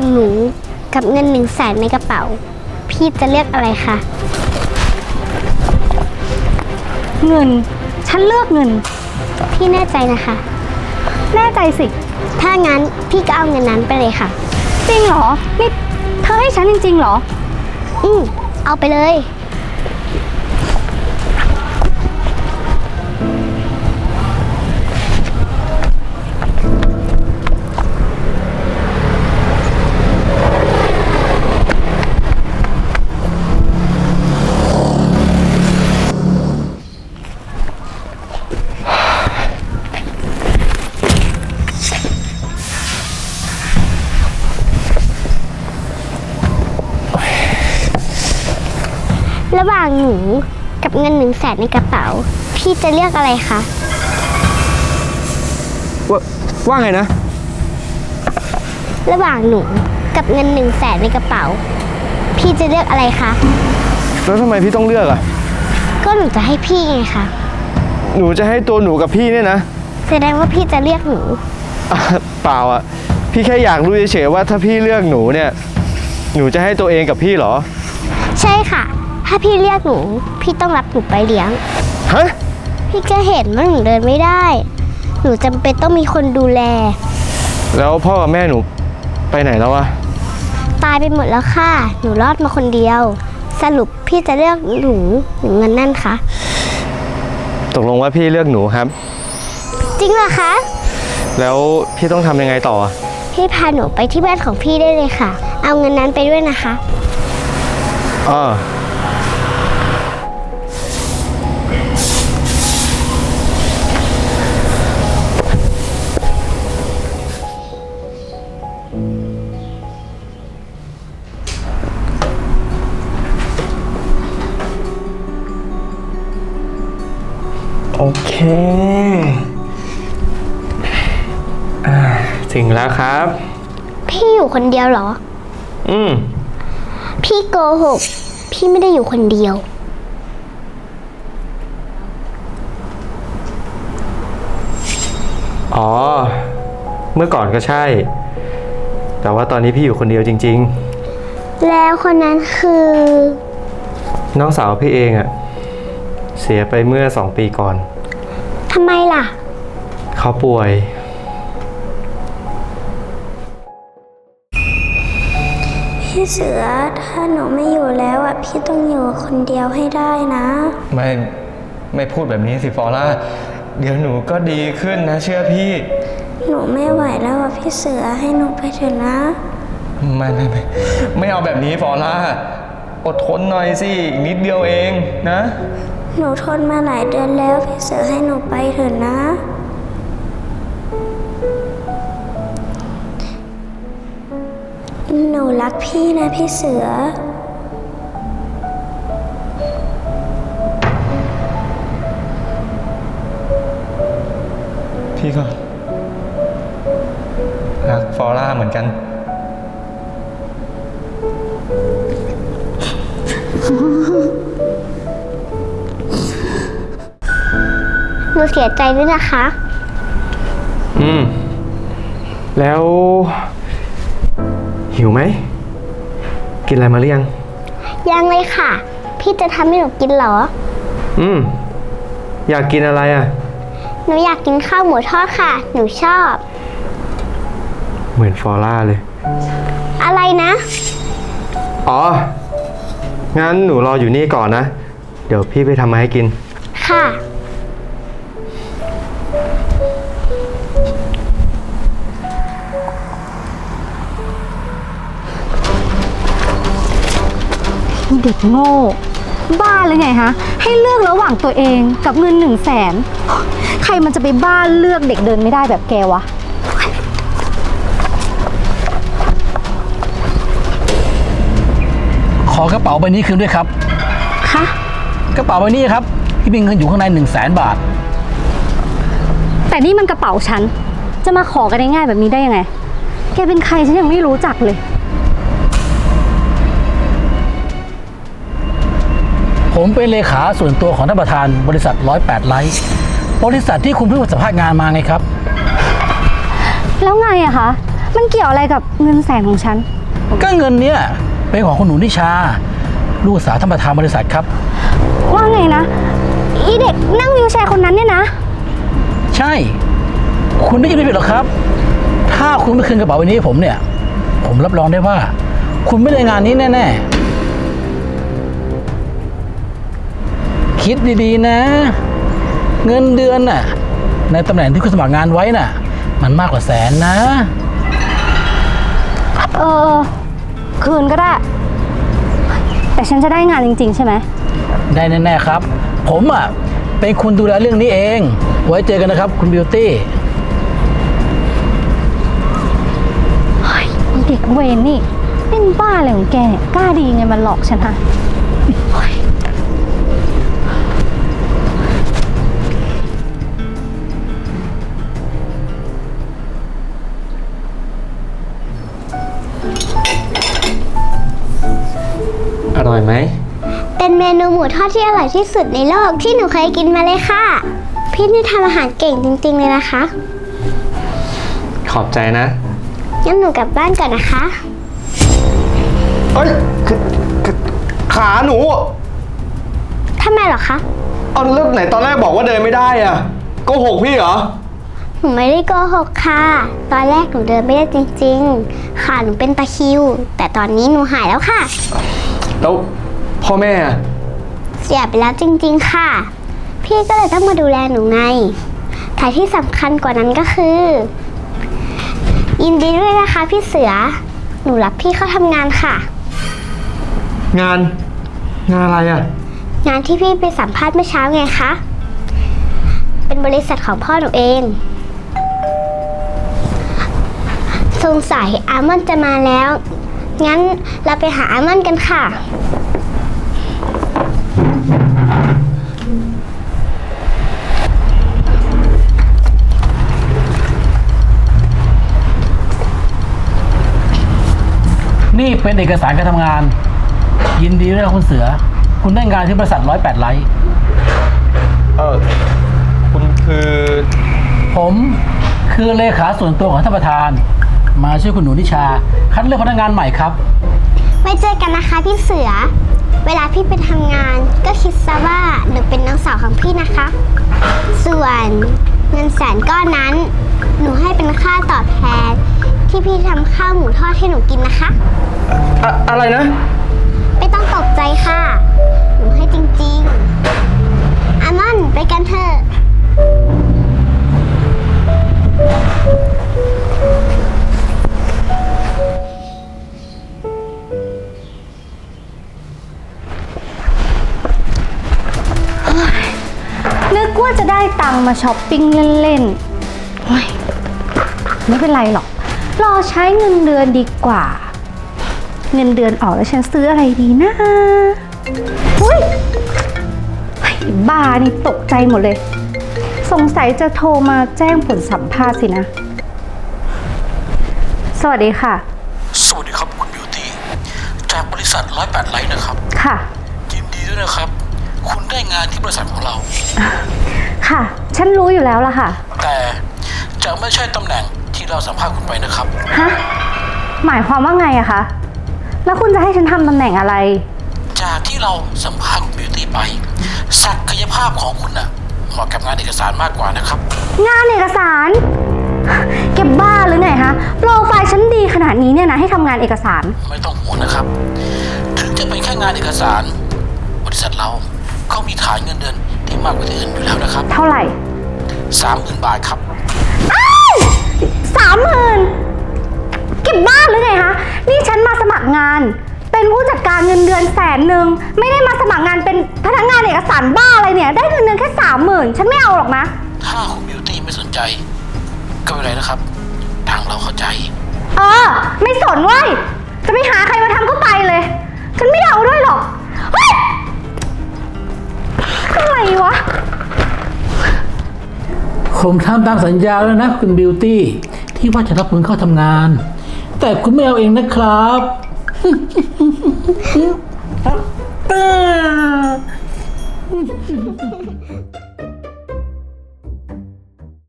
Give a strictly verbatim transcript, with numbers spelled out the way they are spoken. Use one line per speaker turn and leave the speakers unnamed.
หนูกับเงินหนึ่งแสนในกระเป๋าพี่จะเลือกอะไรคะ
เงินฉันเลือกเงิน
พี่แน่ใจนะคะ
แน่ใจสิ
ถ้างั้นพี่ก็เอาเงินนั้นไปเลยค่ะ
จริงเหรอนี่เธอให้ฉันจริงๆเหรอ
อืมเอาไปเลยระหว่างหนูกับเงินหนึ่งแสนในกระเป๋าพี่จะเลือกอะไรคะ
ว่าว่าไงนะ
ระหว่างหนูกับเงินหนึ่งแสนในกระเป๋าพี่จะเลือกอะไรคะ
แล้วทำไมพี่ต้องเลือกอ่ะ
ก็หนูจะให้พี่ไงคะ
หนูจะให้ตัวหนูกับพี่เนี่ยนะ
แสดงว่าพี่จะเลือกหนู
เปล่าอ่ะพี่แค่อยากรู้เฉยๆว่าถ้าพี่เลือกหนูเนี่ยหนูจะให้ตัวเองกับพี่เหรอ
ใช่ค่ะถ้าพี่เรียกหนูพี่ต้องรับหนูไปเลี้ยง
ฮะ
พี่ก็เห็นว่าหนูเดินไม่ได้หนูจำเป็นต้องมีคนดูแล
แล้วพ่อกับแม่หนูไปไหนแล้วอะ
ตายไปหมดแล้วค่ะหนูรอดมาคนเดียวสรุปพี่จะเลือกหนูหรือเงินนั่นคะ
ตกลงว่าพี่เลือกหนูครับ
จริงเหรอคะ
แล้วพี่ต้องทำยังไงต่อ
พี่พาหนูไปที่บ้านของพี่ได้เลยค่ะเอาเงินนั้นไปด้วยนะคะ
อ๋อโอเคอ่าถึงแล้วครับ
พี่อยู่คนเดียวเหรอ
อืม
พี่โกหกพี่ไม่ได้อยู่คนเดียว
อ๋อเมื่อก่อนก็ใช่แต่ว่าตอนนี้พี่อยู่คนเดียวจริง
ๆแล้วคนนั้นคือ
น้องสาวพี่เองอะเสียไปเมื่อสองปีก่อน
ทำไมล่ะ
เขาป่วย
พี่เสือถ้าหนูไม่อยู่แล้วอ่ะพี่ต้องอยู่คนเดียวให้ได้นะ
ไม่ไม่พูดแบบนี้สิฟอร่าเดี๋ยวหนูก็ดีขึ้นนะเชื่อพี่
หนูไม่ไหวแล้วอ่ะพี่เสือให้หนูไปเถอะนะ
ไม่ไม่ไม่ไม่เอาแบบนี้ฟอร่าอดทนหน่อยสิอีกนิดเดียวเองนะ
หนูทนมาหลายเดือนแล้วพี่เสือให้หนูไปเถอะนะหนูรักพี่นะพี่เสือ
พี่ก็รักฟอร่าเหมือนกัน
หนูเสียใจด้วยนะคะ
อืมแล้วหิวไหมกินอะไรมาหรือยัง
ยังเลยค่ะพี่จะทำให้หนูกินเหรอ
อืมอยากกินอะไรอ่ะ
หนูอยากกินข้าวหมูทอดค่ะหนูชอบ
เหมือนฟอร่าเลย
อะไรนะ
อ๋องั้นหนูรออยู่นี่ก่อนนะเดี๋ยวพี่ไปทำมาให้กิน
ค่ะ
เด็กโง่บ้าเลยไงฮะให้เลือกระหว่างตัวเองกับเงินหนึ่งแสนใครมันจะไปบ้าเลือกเด็กเดินไม่ได้แบบแกวะ
ขอกระเป๋าใบนี้คืนด้วยครับ
คะ
กระเป๋าใบนี้ครับที่มีเงินอยู่ข้างในหนึ่งแสนบาท
แต่นี่มันกระเป๋าฉันจะมาขอกันง่ายๆแบบนี้ได้ยังไงแกเป็นใครฉันยังไม่รู้จักเลย
ผมเป็นเลขาส่วนตัวของท่านประธานบริษัทร้อยแปดไลท์บริษัทที่คุณเพิ่งสัมภาษณ์งานมาไงครับ
แล้วไงอะคะมันเกี่ยวอะไรกับเงินแสนของฉัน
ก็เงินเนี้ยเป็นของคุณหนูนิชา ลูกสาวท่านประธานบริษัทครับ
ว่าไงนะ อีเด็กนั่งวิวแชร์คนนั้นเนี่ยนะ
ใช่ คุณได้ยินไม่ผิดหรอกครับ ถ้าคุณไม่คืนกระเป๋าใบนี้ให้ผมเนี่ย ผมรับรองได้ว่า คุณไม่ได้งานนี้แน่ๆ คิดดีๆนะ เงินเดือนน่ะ ในตำแหน่งที่คุณสมัครงานไว้น่ะ มันมากกว่าแสนนะ
เออ คืนก็ได้ แต่ฉันจะได้งานจริงๆใช่ไหม
ได้แน่ๆครับ ผมอ่ะเป็นคนดูแลเรื่องนี้เอง ไว้เจอกันนะครับ คุณบิวตี้
อีเด็กเวนนี่เล่นบ้าอะไรของแกเนี่ยกล้าดีไงมันหลอกฉันฮะ
อร่อยไหม
เป็นเมนูหมูทอดที่อร่อยที่สุดในโลกที่หนูเคยกินมาเลยค่ะ พี่นี่ทำอาหารเก่งจริงๆเลยนะคะ
ขอบใจนะ
งั้นหนูกลับบ้านก่อนนะคะ
เอ้ยคือคือขาหนู
ทำไมเหรอคะ
เอาแล้วไหนตอนแรกบอกว่าเดินไม่ได้อะโกหกพี่เหรอ
หนูไม่ได้โกหกค่ะ ตอนแรกหนูเดินไม่ได้จริงๆ ค่ะหนูเป็นตะคริว แต่ตอนนี้หนูหายแล้วค่ะ
แล้วพ่อแม่อะ
เสียไปแล้วจริงๆค่ะ พี่ก็เลยต้องมาดูแลหนูไงแต่ที่สำคัญกว่านั้นก็คือ ยินดีด้วยนะคะพี่เสือ หนูรับพี่เข้าทำงานค่ะ
งาน งานอะไรอะ
งานที่พี่ไปสัมภาษณ์เมื่อเช้าไงคะ เป็นบริษัทของพ่อหนูเอง สงสัยอาร์มอนด์จะมาแล้ว งั้นเราไปหาอาร์มอนด์กันค่ะ
นี่เป็นเอกสารการทำงาน ยินดีด้วยนะคุณเสือ คุณได้งานที่บริษัทร้อยแปดไลท์
เออคุณคือ
ผมคือเลขาส่วนตัวของท่านประธาน มาช่วยคุณหนูนิชา คัดเลือกพนักงานใหม่ครับ
ไว้เจอกันนะคะพี่เสือ เวลาพี่ไปทำงานก็คิดซะว่าหนูเป็นน้องสาวของพี่นะคะ ส่วนเงินแสนก้อนนั้น หนูให้เป็นค่าตอบแทน ที่พี่ทำข้าวหมูทอดให้หนูกินนะคะ
อะอะไรนะ
ไม่ต้องตกใจค่ะ หนูให้จริงๆ อามอนไปกันเถอะ
นึกว่าจะได้ตังค์มาช้อปปิ้งเล่นๆโอ๊ยไม่เป็นไรหรอก รอใช้เงินเดือนดีกว่า เงินเดือนออกแล้วฉันซื้ออะไรดีนะอุ้ยไอ้บ้านี่ตกใจหมดเลย สงสัยจะโทรมาแจ้งผลสัมภาษณ์สินะ สวัสดีค่ะ
สวัสดีครับคุณบิวตี้ จากบริษัทร้อยแปดไลท์นะครับ
ค่ะ
ยินดีด้วยนะครับ คุณได้งานที่บริษัทของเรา
ค่ะ ฉันรู้อยู่แล้วล่ะค่ะ
แต่จะไม่ใช่ตำแหน่งที่เราสัมภาษณ์คุณไปนะครับ
ฮะ หมายความว่าไงอะคะ แล้วคุณจะให้ฉันทำตำแหน่งอะไร
จากที่เราสัมภาษณ์คุณบิวตี้ไป ศักยภาพของคุณน่ะเหมาะกับงานเอกสารมากกว่านะครับ
งานเอกสารเก็บบ้าหรือไงฮะ โปรไฟล์ฉันดีขนาดนี้เนี่ยนะให้ทำงานเอกสาร
ไม่ต้องห่วงนะครับ ถึงจะเป็นแค่งานเอกสาร บริษัทเราเขามีฐานเงินเดือนที่มากกว่าที่อื่นอยู่แล้วนะครับ
เท่าไหร่
สามหมื่นบาทครับ
สามหมื่นเก็บบ้านหรือไงฮะ นี่ฉันมาสมัครงาน เป็นผู้จัดการเงินเดือนแสนหนึ่งไม่ได้มาสมัครงานเป็นพนักงานเอกสารบ้าอะไรเนี่ย ได้เงินเดือนแค่สามหมื่นฉันไม่เอาหรอกนะ
ถ้าคุณบิวตี้ไม่สนใจ ก็ไม่เป็นไรนะครับ ทางเราเข้าใจ
เออ ไม่สนเว้ย จะไปหาใครมาทำก็ไปเลย ฉันไม่เอาด้วยหรอกเฮ้ยอะไรวะ
ผมทำตามสัญญาแล้วนะคุณบิวตี้ที่ว่าจะรับคุณเข้าทำงาน แต่คุณไม่เอาเองนะครับ